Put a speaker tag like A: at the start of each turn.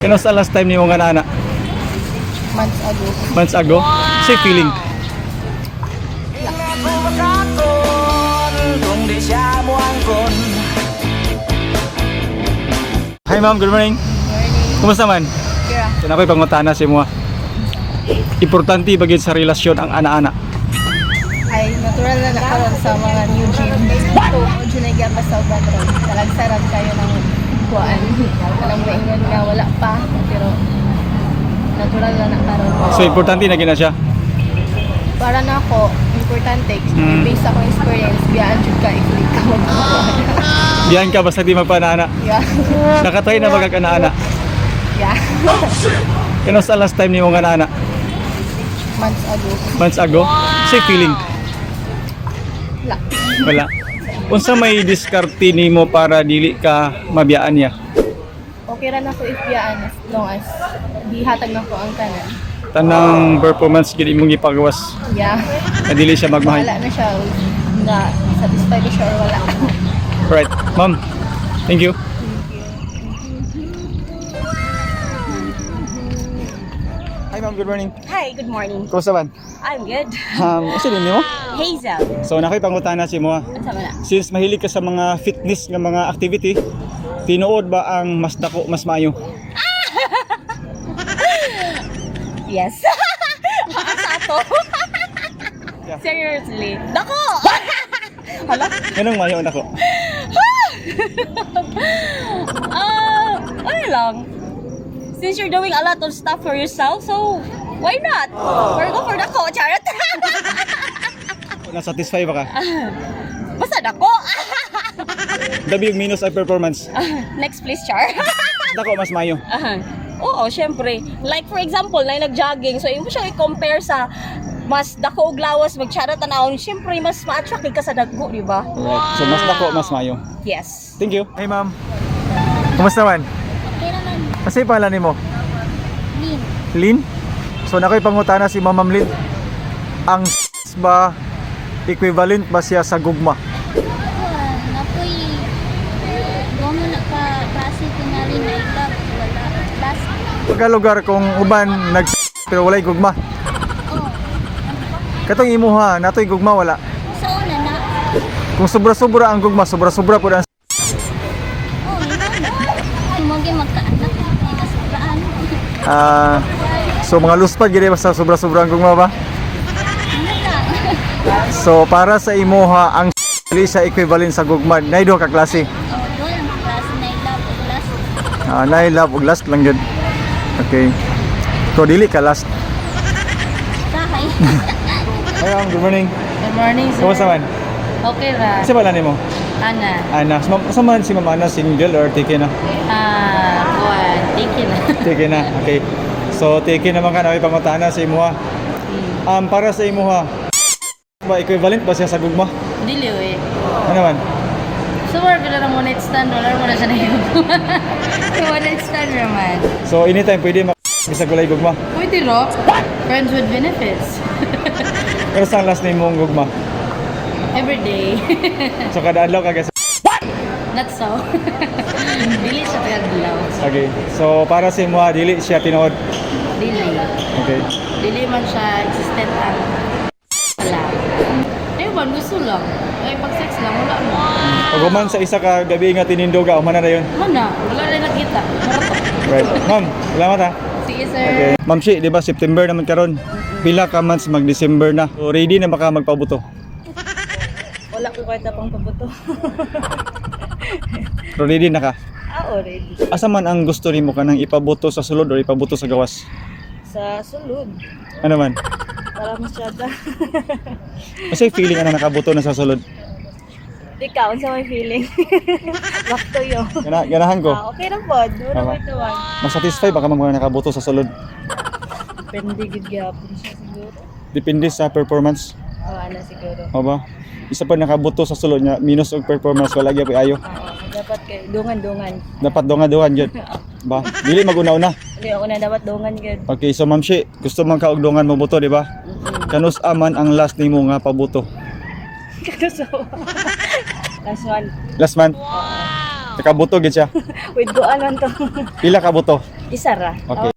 A: Kano sa last time ni mo nga nana?
B: Months ago.
A: Months ago? Say feeling. Hi ma'am, good morning.
B: Morning.
A: Kumusta man?
B: Kira.
A: Yan ako'y pangutana sa imo. Importante ba gid sa relasyon ang ana-ana?
B: Ay, natural na nakaroon sa mga new gym. So, dyan ay gapa sa patron. Talagsaran kayo ng kuhaan. Alam mo ingon nga wala pa. Pero, natural na nakaroon.
A: So importante na gina siya.
B: Para na ako, importante. Based ako experience, biyaan dyan ka, i-click ka mag-kuhaan.
A: Diyan ka basta di magpanana.
B: Yeah.
A: Nakatry na magkakana-ana.
B: Yeah.
A: Kano sa last time ni mo nga nana?
B: Months ago.
A: Months ago? Say feeling.
B: Wala.
A: Wala. Unsa may diskarte nimo para dili ka mabiyaan niya?
B: Okay ra na ko if biyaan as long as di hatag na ko ang kanan.
A: Tanang performance gid imong gipagawas
B: Yeah.
A: na dili siya magmahal.
B: Wala na siya. Na satisfied na siya or wala.
A: Right. Ma'am. Thank you. Hi ma'am, good morning.
C: Hi, good morning.
A: Kumusta man?
C: I'm good.
A: Usa din nimo?
C: Hazel.
A: So nakoy pangutana si mo.
C: Ano sama na?
A: Since mahilig ka sa mga fitness nga mga activity, tinuod ba ang mas dako mas maayo?
C: Yes. Asa to?
A: Yeah.
C: Seriously. Dako! Hala?
A: Anong maayo ang dako?
C: Ano lang? Since you're doing a lot of stuff for yourself, so why not? Or go for dako, charot.
A: Na-satisfy ba ka?
C: Basta dako.
A: Dabi yung minus ay performance.
C: Next please, Char.
A: Dako mas maayo.
C: Oo, syempre. Like for example, na nag-jogging, so yung mo siya i-compare sa mas dako og lawas magcharot tanawon, syempre mas ma-attract ka sa dagko, di ba?
A: Right. So mas dako mas maayo.
C: Yes.
A: Thank you. Hey ma'am. Kumusta man?
C: Okay naman.
A: Kasi pangalan nimo?
C: Lin.
A: Lin? So nakoy pangutana si Ma'am Lin. Ang ba equivalent ba siya sa gugma?
D: Napoy gomo na ka klase tingali na ilag wala klase.
A: Pagka lugar kung uban nag pero walay gugma.
D: Oh,
A: Katong imuha, natoy gugma wala.
D: sa una na.
A: Kung sobra-sobra ang gugma, sobra-sobra pud ang
D: Oh, imogi magkaanak ay kasobraan.
A: so mga luspad gid basta sobra-sobra ang gugma ba?
D: Ano na?
A: So para sa imuha ang dili siya equivalent sa gugma. Nay duha ka klase.
D: Oh, doon ang klase na ilag o klase.
A: Nay love ug last lang gyud. Okay. So dili ka last.
D: Sakay.
A: Hi ma'am, good morning.
B: Good morning, sir.
A: Kumusta man?
B: Okay ra.
A: Kasi pala nimo?
B: Ana.
A: Ana, sa man si Ma'am Ana single or taken na?
B: Kuan. Thank you na.
A: Taken na. Okay. So taken naman ka na may pangutana sa imuha. Para sa imuha, ba equivalent ba siya sa gugma?
B: Dili eh.
A: Ano man?
B: So, wala ka na one night stand. Wala mo na siya na yun. One night stand naman.
A: So anytime pwede bisag walay gugma.
B: Pwede ro. Friends with benefits.
A: Pero sa last name mong gugma.
B: Every day.
A: So kada adlaw ka guys.
B: Not so. Dili siya tagaglaw.
A: Okay. So para sa imuha dili siya tinuod.
B: Dili.
A: Okay.
B: Dili man siya existent ang wala. Ayun, gusto lang. Ay, pag sex lang, wala mo.
A: Pag human sa isa ka gabi nga tinindoga, humana na yun.
B: Mana, wala rin nakita. Marato.
A: Right. Ma'am, salamat ha.
B: Sige, sir.
A: Okay. Ma'am Shi, di ba September naman karon? Pila ka months mag-December na. So ready na baka magpabuto.
B: Wala ko kahit pang pabuto.
A: Pero ready na ka.
B: Already.
A: Asa man ang gusto nimo kanang ipabuto sa sulod o ipabuto sa gawas?
B: Sa sulod.
A: Ano man?
B: Para masyada.
A: Kasi feeling ana nakabuto na sa sulod.
B: Di ka, unsa may feeling. Back to you.
A: Ganahan ko.
B: Okay lang po. Duro
A: Tama.
B: mo ito.
A: Masatisfy baka mga nakabuto sa sulod.
B: Depende good gyapon siya siguro.
A: Depende sa performance.
B: Ano siguro.
A: O ba? Isa pa nakabuto sa sulod nga minus og performance wala gyud ayo.
B: Dapat kay dungan-dungan.
A: Dapat donga-dongan jud. Ba? Dili maguna-una.
B: Hindi ako na dapat dungan gud.
A: Okay, so Ma'am Shi, gusto man ka og dongan mo buto, di ba? Kanus aman ang last nimo nga pabuto.
B: So, last one.
A: Last month. Nakabuto gid siya.
C: With kuan man to.
A: Pila ka buto?
C: Isa ra.
A: Okay.